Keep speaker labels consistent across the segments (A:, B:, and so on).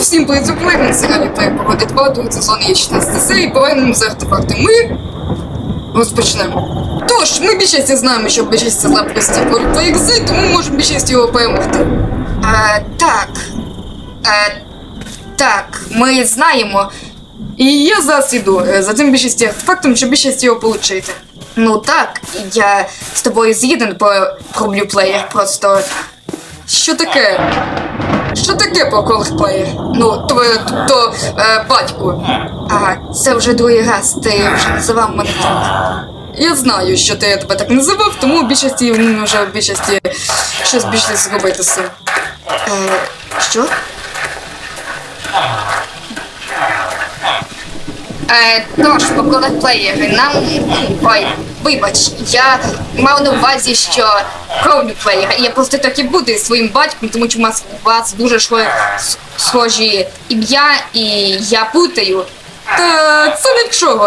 A: Всім привіт, сьогодні треба проводить 2 другий сезон є 16 серій, повернемо з артефакти. Ми розпочнемо. Тож, ми більшості знаємо, що більшість це слабкості проєкти, тому можемо більшість його перемогти. Так, ми знаємо. І я зараз іду за тим більшості артефактом, щоб більшість його отримати. Ну так, я з тобою згіден про блюплеєр, просто... Що таке? Що таке про колорплеєр? Ну, тобто, батьку. Ага, це вже другий раз, ти вже називав мене так. Я знаю, що ти тебе так називав, тому в більшості, вже в більшості щось більше зробити з цим. Що? Тож, по колорплеєри, нам... Ой, вибач, я мав на увазі, що кровлюплеєр. Я просто так і буду із своїм батьком, тому що у вас дуже схожі ім'я, і я путаю. Та це нічого,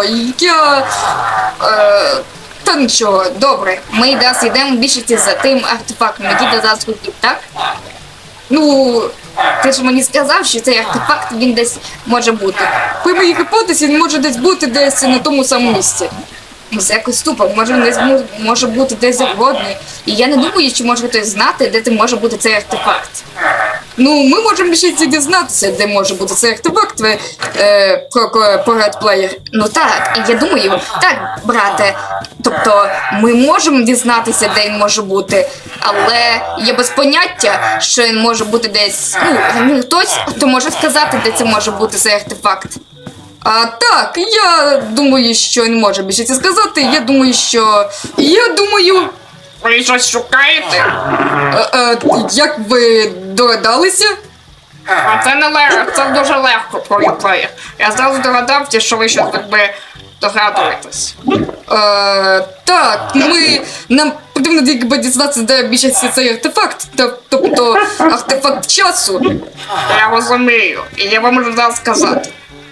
A: та нічого, добре. Ми зараз йдемо більшості за тим артефактом, який ти зараз хотів, так? Ну, ти ж мені сказав, що цей артефакт, він десь може бути. При моїй гіпотезі, він може десь бути десь на тому самому місці. Ну, це якось тупо, може бути десь завгодно. І я не думаю, чи може хтось знати, де може бути цей артефакт. Ну, ми можемо ще дізнатися, де може бути цей артефакт про редплеєр. Ну так, і я думаю, так, брате, тобто ми можемо дізнатися, де він може бути, але є без поняття, що він може бути десь, ну, хтось, хто може сказати, де це може бути цей артефакт. Так, я думаю, що він може більше це сказати, я думаю...
B: Ви щось шукаєте?
A: Як ви догадалися?
B: Це не легко, це дуже легко про реплеєр. Я зразу догадався, що ви щось догадуєтесь.
A: Так, нам потрібно дізнатися, де більшість цей артефакт, тобто артефакт часу.
B: Я розумію, і я вам можу зараз сказати.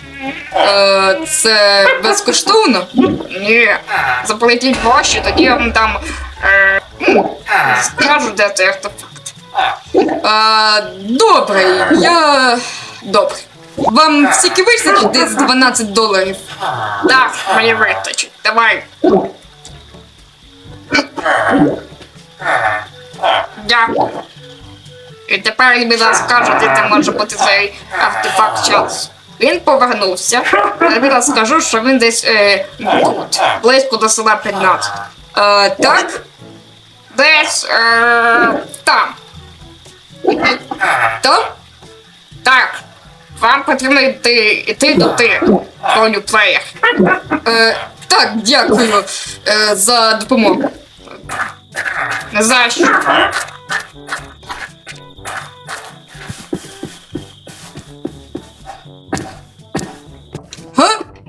A: Це безкоштовно?
B: Ні, заплатіть гроші, тоді я вам там скажу, де цей артефакт.
A: Добре, Добре. Вам стільки вистачить десь $12?
B: Так, мені вистачить, давай. Дякую. І тепер він зараз скаже, де може бути цей артефакт часу. Він повернувся, я зараз скажу, що він десь тут, близько до села 15.
A: Так?
B: Десь там.
A: Там?
B: Так. Вам потрібно йти до колорплеєр.
A: Так, дякую за допомогу.
B: Не знаю, що.
A: Га?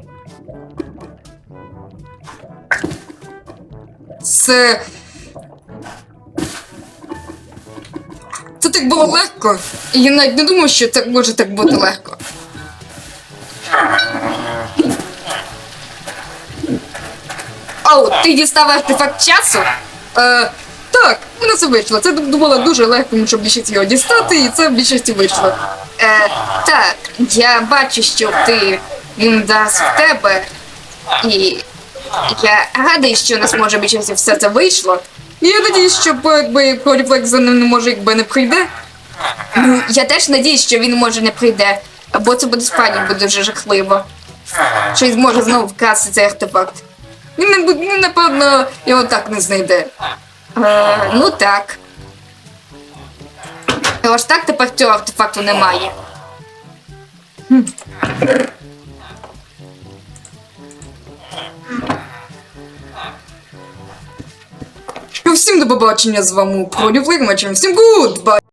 A: Це так було легко. І я навіть не думав, що так може так бути легко. Оу, ти дістав артефакт часу? Так, у нас вийшло. Це було дуже легко, щоб більшість його дістати, і це в більшості вийшло. Так, я бачу, що він дасть в тебе, і я радий, що у нас може більшості все це вийшло. І я надіюсь, що Колорплеєр за ним не прийде. Ну, я теж надіюсь, що він може не прийде, або це буде справді дуже жахливо. Що він зможе знову вкрасти цей артефакт. Він, напевно, його так не знайде. Ну так. Аж так тепер цього артефакту немає. Всім до побачення, з вами Колорплеєр, всім гудбай!